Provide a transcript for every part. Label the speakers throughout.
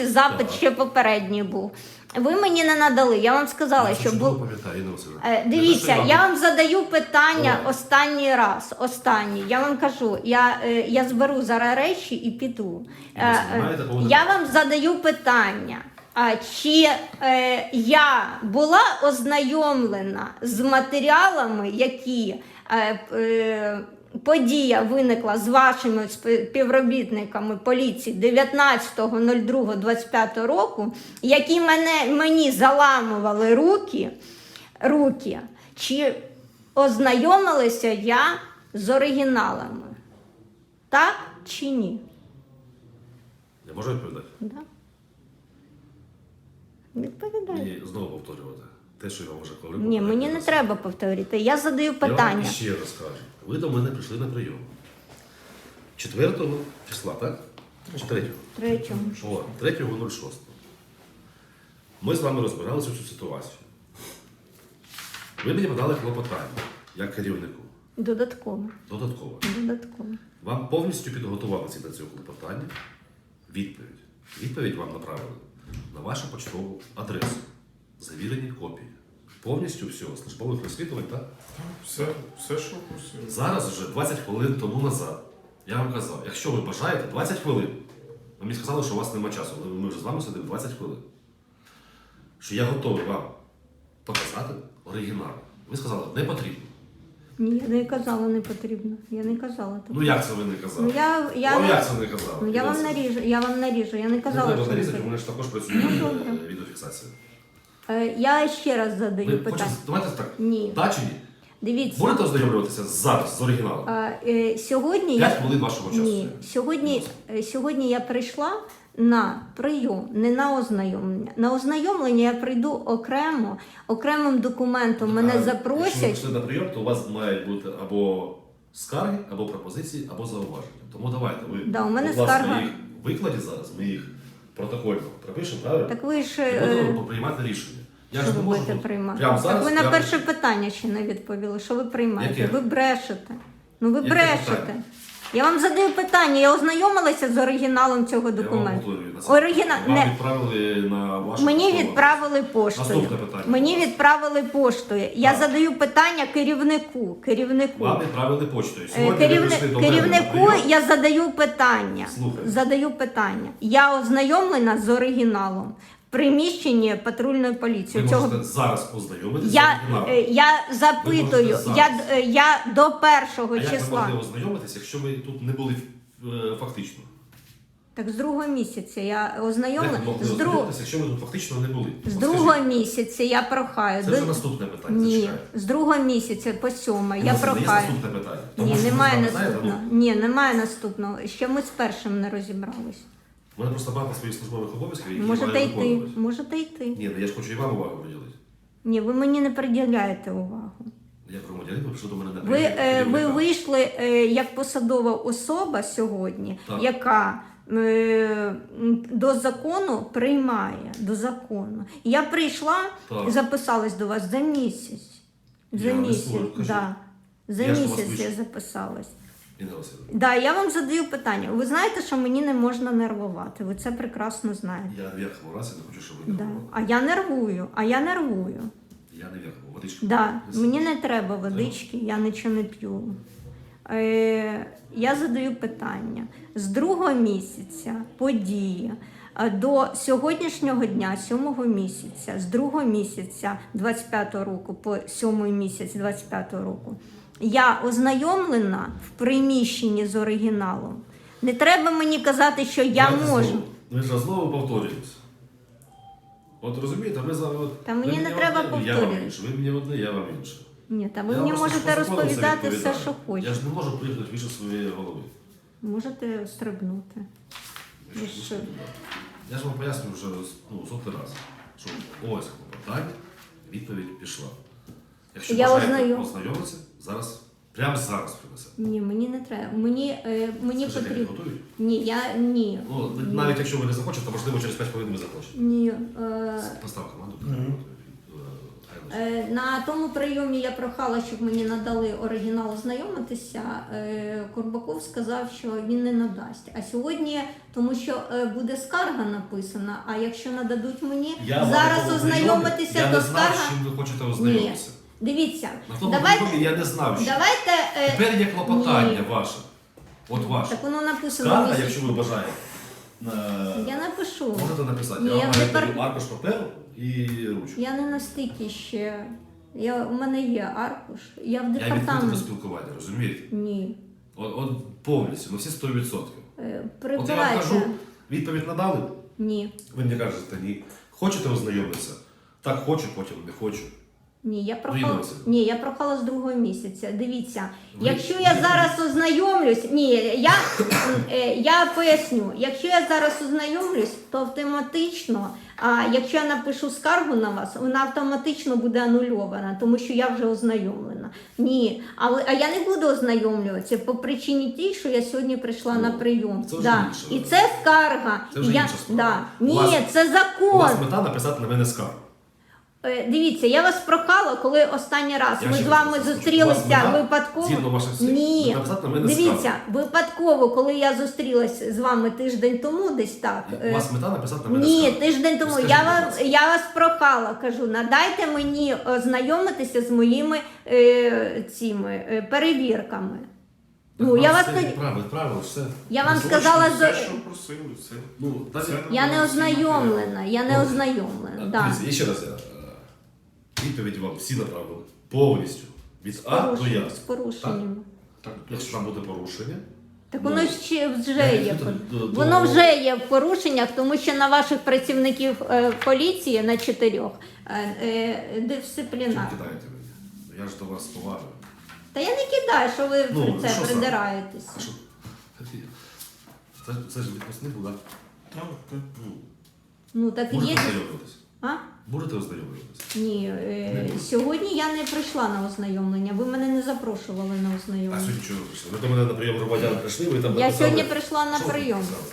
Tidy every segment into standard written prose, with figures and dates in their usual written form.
Speaker 1: Запит ще попередній був. Ви мені не надали. Я вам сказала, що був. Дивіться, я вам задаю питання останній раз. Останній. Я вам кажу, я зберу зараз речі і піду. Я вам задаю питання. Чи я була ознайомлена з матеріалами, які подія виникла з вашими співробітниками поліції 19.02.25 року, які мені заламували руки, чи ознайомилася я з оригіналами? Так чи ні?
Speaker 2: Я можу відповідати?
Speaker 1: Да. Відповідаю.
Speaker 2: Мені знову повторювати те, що я вам вже говорив.
Speaker 1: Ні, мені не треба повторити. Я задаю питання.
Speaker 2: Я вам ще раз кажу. Ви до мене прийшли на прийом. 4 числа, так? Чи 3-го?
Speaker 1: 3-го.
Speaker 2: О, 3.06. Ми з вами розбиралися цю ситуацію. Ви мені подали клопотання, як керівнику.
Speaker 1: Додатково.
Speaker 2: Додатково. Вам повністю підготували до цього клопотання відповідь. Відповідь вам направили на вашу почтову адресу. Завірені копії. Повністю всього, службових розслідувань, так?
Speaker 3: Все, що просили.
Speaker 2: Зараз вже 20 хвилин тому назад. Я вам казав, якщо ви бажаєте, 20 хвилин. Ви мені сказали, що у вас немає часу, але ми вже з вами сидимо 20 хвилин. Що я готовий вам показати оригінал. Ви сказали, не потрібно.
Speaker 1: Ні, я не казала, не потрібно. Я не казала так.
Speaker 2: Ну як це ви не казали?
Speaker 1: Ну,
Speaker 2: Вам як це не казали?
Speaker 1: Ну, я вам наріжу. Я не казала,
Speaker 2: Не треба
Speaker 1: що
Speaker 2: нарізати, у
Speaker 1: не
Speaker 2: мене ж також працює відеофіксація.
Speaker 1: Я ще раз задаю
Speaker 2: Ви
Speaker 1: питання.
Speaker 2: хочете, давайте так,
Speaker 1: Ні.
Speaker 2: да чи ні?
Speaker 1: Дивіться.
Speaker 2: Будете ознайомлюватися зараз з оригіналом?
Speaker 1: Сьогодні
Speaker 2: 5 хвилин вашого часу.
Speaker 1: Ні. Сьогодні я прийшла на прийом, не на ознайомлення. На ознайомлення я прийду окремим документом. Мене
Speaker 2: Якщо ви
Speaker 1: запросять.
Speaker 2: прийшли на прийом, то у вас мають бути або скарги, або пропозиції, або зауваження. Тому давайте, ви,
Speaker 1: Да, у мене
Speaker 2: будь ласка,
Speaker 1: скарга.
Speaker 2: їх викладі зараз, ми їх протокольно пропишемо, правильно?
Speaker 1: Так ви ж
Speaker 2: І будемо приймати рішення. Я
Speaker 1: що
Speaker 2: ж не
Speaker 1: ви
Speaker 2: можу
Speaker 1: будете
Speaker 2: тут
Speaker 1: приймати?
Speaker 2: прямо зараз.
Speaker 1: Так ви на
Speaker 2: я-
Speaker 1: перше питання ще не відповіли. Що ви приймаєте?
Speaker 2: Яке?
Speaker 1: Ви брешете. Ну ви
Speaker 2: Яке
Speaker 1: брешете.
Speaker 2: питання?
Speaker 1: Я вам задаю питання. Я ознайомилася з оригіналом цього
Speaker 2: Я вам
Speaker 1: документу.
Speaker 2: повторюю, на це.
Speaker 1: Оригінал
Speaker 2: Вам
Speaker 1: не
Speaker 2: відправили на вашу
Speaker 1: мені
Speaker 2: поштову.
Speaker 1: відправили поштою.
Speaker 2: Наступне питання.
Speaker 1: Мені відправили поштою. Я
Speaker 2: Так.
Speaker 1: задаю питання керівнику.
Speaker 2: Вам відправили почтою. Сьогодні ви прийшли до мене на
Speaker 1: Керівнику
Speaker 2: прийом.
Speaker 1: я задаю питання.
Speaker 2: Слухаю.
Speaker 1: Я ознайомлена з оригіналом в приміщенні патрульної поліції.
Speaker 2: Ви можете зараз ознайомитися з
Speaker 1: Я
Speaker 2: оригіналом.
Speaker 1: запитую,
Speaker 2: Ви можете
Speaker 1: я до 1
Speaker 2: А як ви
Speaker 1: числа.
Speaker 2: могли ознайомитися, якщо ви тут не були фактично?
Speaker 1: Так з 2 місяця я
Speaker 2: Як
Speaker 1: ознайомлена.
Speaker 2: ви могли
Speaker 1: З
Speaker 2: ознайомитися, якщо ви тут фактично не були?
Speaker 1: З
Speaker 2: От
Speaker 1: 2
Speaker 2: скажіть.
Speaker 1: місяця я прохаю.
Speaker 2: Це вже наступне питання.
Speaker 1: Ні,
Speaker 2: зачекайте.
Speaker 1: з 2 місяця по 7 я
Speaker 2: У нас Є
Speaker 1: прохаю.
Speaker 2: наступне питання.
Speaker 1: Ні,
Speaker 2: Тому що ви
Speaker 1: немає
Speaker 2: знаєте,
Speaker 1: наступного. Ні, немає наступного. Ще ми з першим не розібрались.
Speaker 2: У мене просто багато своїх службових обов'язків, які
Speaker 1: Можете
Speaker 2: маю
Speaker 1: йти.
Speaker 2: виконувати.
Speaker 1: Можете йти.
Speaker 2: Ні, ну я ж хочу і вам увагу приділити.
Speaker 1: Ні, ви мені не приділяєте увагу.
Speaker 2: Я громадянин, ви прийшли до мене на
Speaker 1: Ви
Speaker 2: керівника.
Speaker 1: вийшли як посадова особа сьогодні,
Speaker 2: Так.
Speaker 1: яка до закону приймає. До закону. Я прийшла
Speaker 2: Так.
Speaker 1: і записалась до вас за місяць. За
Speaker 2: Я не
Speaker 1: місяць.
Speaker 2: спорю, кажіть.
Speaker 1: Да. За
Speaker 2: Я ж до вас
Speaker 1: місяць я
Speaker 2: вийшов.
Speaker 1: записалась.
Speaker 2: Інна Васильівна,
Speaker 1: Да, я вам задаю питання. Ви знаєте, що мені не можна нервувати. Ви це прекрасно знаєте.
Speaker 2: я в верхньому разі не хочу, щоб ви
Speaker 1: Да.
Speaker 2: нервували.
Speaker 1: А я нервую.
Speaker 2: Я не в верхному. Водичка.
Speaker 1: Да,
Speaker 2: Не
Speaker 1: мені
Speaker 2: сидіть.
Speaker 1: не треба водички, я нічого не п'ю. Я задаю питання. З 2 місяця події до сьогоднішнього дня, 7 місяця, з 2 місяця 25 року по 7 місяць 25 року, я ознайомлена в приміщенні з оригіналом. Не треба мені казати, що я
Speaker 2: Давайте
Speaker 1: можу.
Speaker 2: знову. Ми ж знову повторюємося. От розумієте, ви зараз... от,
Speaker 1: Та
Speaker 2: ви
Speaker 1: мені не
Speaker 2: мені
Speaker 1: треба
Speaker 2: одне, я вам
Speaker 1: повторювати.
Speaker 2: інше. Ви мені одне, я вам інше.
Speaker 1: Ні, та ви
Speaker 2: Я
Speaker 1: мені
Speaker 2: просто
Speaker 1: можете
Speaker 2: по закону все
Speaker 1: розповідати все,
Speaker 2: відповідаю.
Speaker 1: що хочете.
Speaker 2: Я ж не можу приїхати більше своєї голови.
Speaker 1: Можете стрибнути. Ви що?
Speaker 2: Я ж вам пояснюю вже сотий раз, що ось питання, відповідь пішла. Якщо
Speaker 1: Я
Speaker 2: бажаєте ознайомитися, прямо зараз принесете.
Speaker 1: Ні, мені не треба. Мені
Speaker 2: Скажіть, як
Speaker 1: потрібно.
Speaker 2: готують?
Speaker 1: Ні.
Speaker 2: Ну, навіть якщо ви не захочете, то можливо через 5 хвилин ви захочете.
Speaker 1: Ні.
Speaker 2: Постав команду.
Speaker 1: На тому прийомі я прохала, щоб мені надали оригінал ознайомитися. Курбаков сказав, що він не надасть. А сьогодні, тому що буде скарга написана, а якщо нададуть мені
Speaker 2: Я
Speaker 1: зараз
Speaker 2: вам
Speaker 1: ознайомитися,
Speaker 2: я
Speaker 1: то
Speaker 2: не знав,
Speaker 1: скарга...
Speaker 2: з чим ви хочете ознайомитися.
Speaker 1: Дивіться,
Speaker 2: На тому
Speaker 1: давайте...
Speaker 2: прийомі я не знав, що.
Speaker 1: Давайте...
Speaker 2: Тепер є клопотання
Speaker 1: Ні.
Speaker 2: ваше. От ваше.
Speaker 1: Так воно написано.
Speaker 2: Скарга,
Speaker 1: місяць.
Speaker 2: якщо ви бажаєте.
Speaker 1: Я напишу.
Speaker 2: Можете написати.
Speaker 1: Ні,
Speaker 2: Я вам
Speaker 1: я
Speaker 2: маю
Speaker 1: не
Speaker 2: даю аркуш паперу і ручку.
Speaker 1: Я не настільки ще. У мене є аркуш. Я в
Speaker 2: Я відкритий до
Speaker 1: департамент.
Speaker 2: спілкування, розумієте?
Speaker 1: Ні.
Speaker 2: От повністю, на всі 100%. От я вам
Speaker 1: Прибирайте.
Speaker 2: кажу, відповідь надали,
Speaker 1: Ні.
Speaker 2: ви мені кажете ні. Хочете ознайомитися? Так, хочу, потім не хочу.
Speaker 1: Ні, я прохала.
Speaker 2: Ірина Василівна.
Speaker 1: Ні, я прохала з другого місяця. Дивіться,
Speaker 2: Ви-
Speaker 1: якщо я зараз ознайомлюсь, я поясню, якщо я зараз ознайомлюсь, то автоматично, якщо я напишу скаргу на вас, вона автоматично буде анульована, тому що я вже ознайомлена. Ні, а я не буду ознайомлюватися по причині тій, що я сьогодні прийшла на прийом.
Speaker 2: це вже інше.
Speaker 1: І це скарга.
Speaker 2: Це вже
Speaker 1: Я-
Speaker 2: інша справа.
Speaker 1: да.
Speaker 2: У вас-
Speaker 1: Ні, це
Speaker 2: У
Speaker 1: закон.
Speaker 2: вас мета написати на мене скаргу.
Speaker 1: Дивіться, я вас прохала, коли останній раз
Speaker 2: Я
Speaker 1: ми
Speaker 2: ще
Speaker 1: з
Speaker 2: раз
Speaker 1: вами
Speaker 2: кажу, у вас
Speaker 1: зустрілися
Speaker 2: мета,
Speaker 1: випадково.
Speaker 2: згідно ваших слів,
Speaker 1: Ні,
Speaker 2: написати на мене
Speaker 1: дивіться,
Speaker 2: скаргу.
Speaker 1: випадково, коли я зустрілася з вами тиждень тому, десь так.
Speaker 2: У вас мета написати на мене
Speaker 1: Ні,
Speaker 2: скаргу.
Speaker 1: тиждень тому.
Speaker 2: Скажіть,
Speaker 1: Я
Speaker 2: будь ласка.
Speaker 1: вас прохала, кажу, надайте мені ознайомитися з моїми цими перевірками. Ну, я вас тоді.
Speaker 2: Правильно, все.
Speaker 1: Я вам
Speaker 3: Точно,
Speaker 1: сказала,
Speaker 3: все, що просили, все.
Speaker 2: Ну, навіть-
Speaker 3: Це
Speaker 1: я не
Speaker 3: надали всі матеріали.
Speaker 1: ознайомлена, я не ознайомлена. Да.
Speaker 2: Дивіться, і ще раз я відповідь вам всі направили повністю. Від А до Я.
Speaker 1: З порушеннями.
Speaker 3: Так,
Speaker 2: Якщо там буде порушення,
Speaker 1: Так
Speaker 2: Ну,
Speaker 1: воно вже
Speaker 2: я
Speaker 1: є.
Speaker 2: йду до-
Speaker 1: Воно вже є в порушеннях, тому що на ваших працівників поліції на 4
Speaker 2: чим
Speaker 1: дисциплінар.
Speaker 2: кидаєте мені? Я ж до вас поважаю.
Speaker 1: Та я не кидаю, що ви
Speaker 2: Ну,
Speaker 1: про це
Speaker 2: що саме?
Speaker 1: придираєтесь.
Speaker 2: А що? Це ж відпускник, так?
Speaker 3: Так, так.
Speaker 1: Ну так
Speaker 2: Будете
Speaker 1: є.
Speaker 2: ознайомлюватись?
Speaker 1: А?
Speaker 2: Будете ознайомлюватись?
Speaker 1: Ні, сьогодні я не прийшла на ознайомлення. Ви мене не запрошували на
Speaker 2: А
Speaker 1: ознайомлення.
Speaker 2: сьогодні чого ви прийшли? Ви до мене на прийом громадян прийшли, ви там
Speaker 1: Я
Speaker 2: написали-
Speaker 1: сьогодні прийшла на
Speaker 2: Що ви
Speaker 1: прийом.
Speaker 2: написали?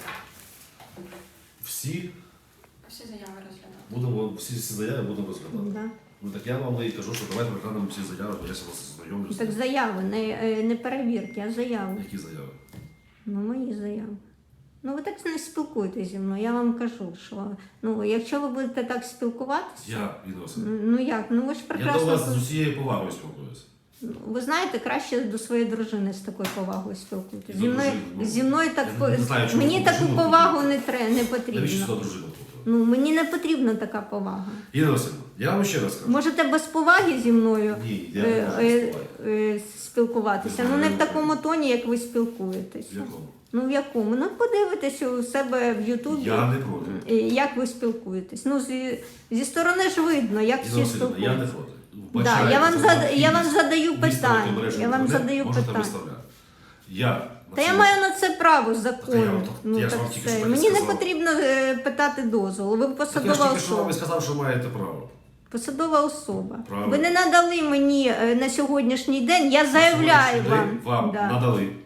Speaker 2: Всі
Speaker 4: Всі заяви розглядати.
Speaker 2: будемо, всі заяви будемо розглядати.
Speaker 1: Да.
Speaker 2: Ну так я вам і кажу, що давайте розглянемо всі заяви, бо я ще вас ознайомлюся.
Speaker 1: Так заяви, не перевірки, а заяви.
Speaker 2: Які заяви?
Speaker 1: Ну, мої заяви. Ну, ви так не спілкуєтесь зі мною. Я вам кажу, що якщо ви будете так спілкуватися,
Speaker 2: Я, відносин.
Speaker 1: ну як? Ну ви ж
Speaker 2: Я до
Speaker 1: прекрасно.
Speaker 2: вас з усією повагою спілкуюся.
Speaker 1: Ви знаєте, краще до своєї дружини з такою повагою спілкуйтесь.
Speaker 2: До
Speaker 1: Зі мною,
Speaker 2: дружини, ну,
Speaker 1: зі мною так
Speaker 2: я не знаю, чому
Speaker 1: мені
Speaker 2: ви
Speaker 1: таку
Speaker 2: дружину
Speaker 1: повагу
Speaker 2: купуєте.
Speaker 1: не
Speaker 2: Навіщо
Speaker 1: потрібно.
Speaker 2: сюди дружину тут?
Speaker 1: Ну мені не потрібна така повага.
Speaker 2: Інна Васильівна, я вам ще раз кажу.
Speaker 1: Можете без поваги зі мною
Speaker 2: Ні, я не можу спілкуватися.
Speaker 1: спілкуватися.
Speaker 2: Не
Speaker 1: Ну не
Speaker 2: знаю,
Speaker 1: в такому тоні, як ви спілкуєтесь.
Speaker 2: В якому?
Speaker 1: Ну в якому? Ну подивитесь у себе в Ютубі.
Speaker 2: Я не проти.
Speaker 1: Як ви спілкуєтесь? Ну, зі сторони ж видно, як
Speaker 2: Інна
Speaker 1: всі
Speaker 2: Васильівна, я не
Speaker 1: спілкуються.
Speaker 2: проти.
Speaker 1: Да,
Speaker 2: Вбачаєте
Speaker 1: я вам
Speaker 2: за
Speaker 1: я вам
Speaker 2: необхідність
Speaker 1: задаю
Speaker 2: виставити
Speaker 1: питання.
Speaker 2: обережний
Speaker 1: Я вам
Speaker 2: інтернет,
Speaker 1: задаю
Speaker 2: можете
Speaker 1: питання.
Speaker 2: виставляти. Я
Speaker 1: Та я
Speaker 2: цьому-
Speaker 1: маю на це право
Speaker 2: Так я
Speaker 1: закону.
Speaker 2: вам-
Speaker 1: Ну,
Speaker 2: я ж
Speaker 1: так
Speaker 2: вам тільки
Speaker 1: все.
Speaker 2: що так і
Speaker 1: Мені не
Speaker 2: сказав.
Speaker 1: потрібно питати дозволу. Ви
Speaker 2: Так я ж
Speaker 1: посадова
Speaker 2: тільки що вам і
Speaker 1: особа.
Speaker 2: сказав, що маєте право.
Speaker 1: Посадова особа.
Speaker 2: Правильно.
Speaker 1: Ви не надали мені на сьогоднішній день. Я заявляю
Speaker 2: Сьогоднішній день вам
Speaker 1: Да.
Speaker 2: надали.